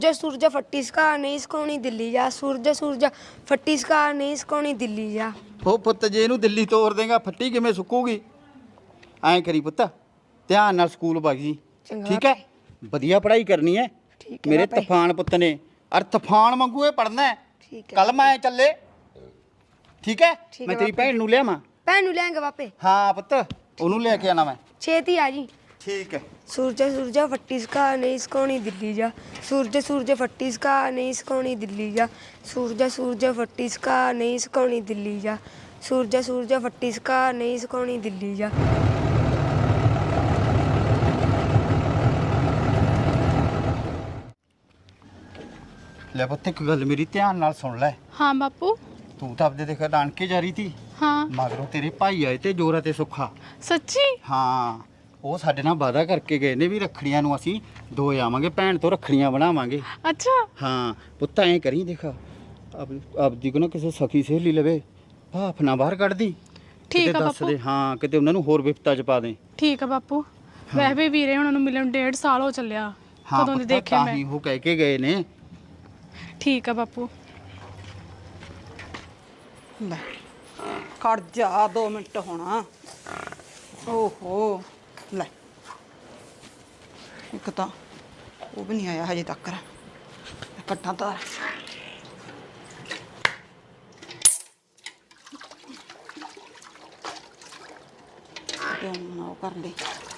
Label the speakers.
Speaker 1: सूरज फट्टी सका नहीं सकाउणी दिल्ली जा सूरज फट्टी सका नहीं सकाउणी दिल्ली जा।
Speaker 2: ਉਹ ਪੁੱਤ ਜੇ ਇਹਨੂੰ ਦਿੱਲੀ ਤੋਰ ਦੇਗਾ ਫੱਟੀ ਕਿਵੇਂ ਸੁੱਕੂਗੀ? ਐਂ ਕਰੀ ਪੁੱਤ ਧਿਆਨ ਨਾਲ ਸਕੂਲ ਵਗ ਜੀ
Speaker 1: ਚੰਗਾ
Speaker 2: ਠੀਕ ਹੈ ਵਧੀਆ ਪੜ੍ਹਾਈ ਕਰਨੀ ਹੈ
Speaker 1: ਠੀਕ ਹੈ
Speaker 2: ਮੇਰੇ
Speaker 1: ਬਾਪੇ।
Speaker 2: ਤੂਫਾਨ ਪੁੱਤ ਨੇ ਅਰ ਤੂਫਾਨ ਵਾਂਗੂ ਇਹ ਪੜ੍ਹਨਾ ਹੈ
Speaker 1: ठीक है
Speaker 2: ਕੱਲ ਮੈਂ ਚੱਲੇ ਠੀਕ ਹੈ
Speaker 1: ਠੀਕ
Speaker 2: ਮੈਂ
Speaker 1: ਹੈ
Speaker 2: ਤੇਰੀ
Speaker 1: ਬਾਪੇ।
Speaker 2: ਭੈਣ ਨੂੰ ਲਿਆਵਾਂ
Speaker 1: भैन नूं लेंगे बापे
Speaker 2: ਹਾਂ ਪੁੱਤ ਉਹਨੂੰ ਲੈ ਕੇ ਆਣਾ ਮੈਂ
Speaker 1: छेती आ जी।
Speaker 2: ਠੀਕ ਹੈ
Speaker 1: सूरज फट्टी सका नहीं सकाउणी दिल्ली जा सूरज फट्टी सका नहीं सकाउणी दिल्ली जा सूरज फट्टी सका नहीं सकाउणी दिल्ली जा सूरज फट्टी सका नहीं सकाउणी दिल्ली जा।
Speaker 2: ਲੈ ਪੁੱਤ ਇੱਕ ਗੱਲ ਮੇਰੀ ਧਿਆਨ ਨਾਲ ਸੁਣ ਲੈ
Speaker 3: हाँ बापू।
Speaker 2: ਤੂੰ ਤਾਂ ਆਪਦੇ ਦੇਖ ਨਾਨਕੇ ਜਾ ਰਹੀ ਤੀ
Speaker 3: हाँ
Speaker 2: ਮਗਰੋਂ ਤੇਰੇ ਭਾਈ ਆਏ ਤੇ ਜੋਰਾ ਤੇ ਸੁੱਖਾ
Speaker 3: सच्ची।
Speaker 2: ਹਾਂ ਉਹ ਸਾਡੇ ਨਾਲ ਵਾਅਦਾ ਕਰਕੇ ਗਏ ਨੇ ਵੀ ਰੱਖੜੀਆਂ ਨੂੰ ਅਸੀਂ ਦੋ ਆਵਾਂਗੇ ਭੈਣ ਤੋਂ ਰੱਖੜੀਆਂ ਬਣਾਵਾਂਗੇ।
Speaker 3: अच्छा
Speaker 2: ਹਾਂ ਪੁੱਤ ਐਂ ਕਰੀ ਦੇਖ ਆਪਦੀ ਕੋ ਨਾ ਕਿਸੇ ਸਖੀ ਸਹੇਲੀ ਲਵੇ ਭਾਫ ਨਾ ਬਾਹਰ ਕੱਢਦੀ
Speaker 3: ਠੀਕ
Speaker 2: ਕਿਤੇ
Speaker 3: ਆ
Speaker 2: ਦੱਸ
Speaker 3: ਬਾਪੂ।
Speaker 2: ਦੇ ਹਾਂ ਕਿਤੇ ਉਹਨਾਂ ਨੂੰ ਹੋਰ ਵਿਪਤਾ ਚ ਪਾ ਦੇ।
Speaker 3: ठीक है बापू। वह भी वीरे हुणां नूं मिलण 1.5 साल हो ਚੱਲਿਆ
Speaker 2: ਹਾਂ
Speaker 3: ਕਦੋਂ ਦੀ
Speaker 2: ਪੁੱਤ
Speaker 3: ਦੇਖਿਆ
Speaker 2: ਤਾਂ
Speaker 3: ਮੈਂ।
Speaker 2: ਹੀ ਉਹ ਕਹਿ ਕੇ ਗਏ ਨੇ।
Speaker 3: ठीक है बापू।
Speaker 4: ਲੈ ਖੜ ਜਾ 2 ਮਿੰਟ ਹੋਣਾ। ਓਹੋ ਲੈ ਇੱਕ ਤਾਂ ਉਹ ਵੀ ਨਹੀਂ ਆਇਆ ਹਜੇ ਤੱਕ ਕੱਟਾਂ ਤਾਂ ਕਿਉਂ ਨਾ ਉਹ ਕਰ ਲਈ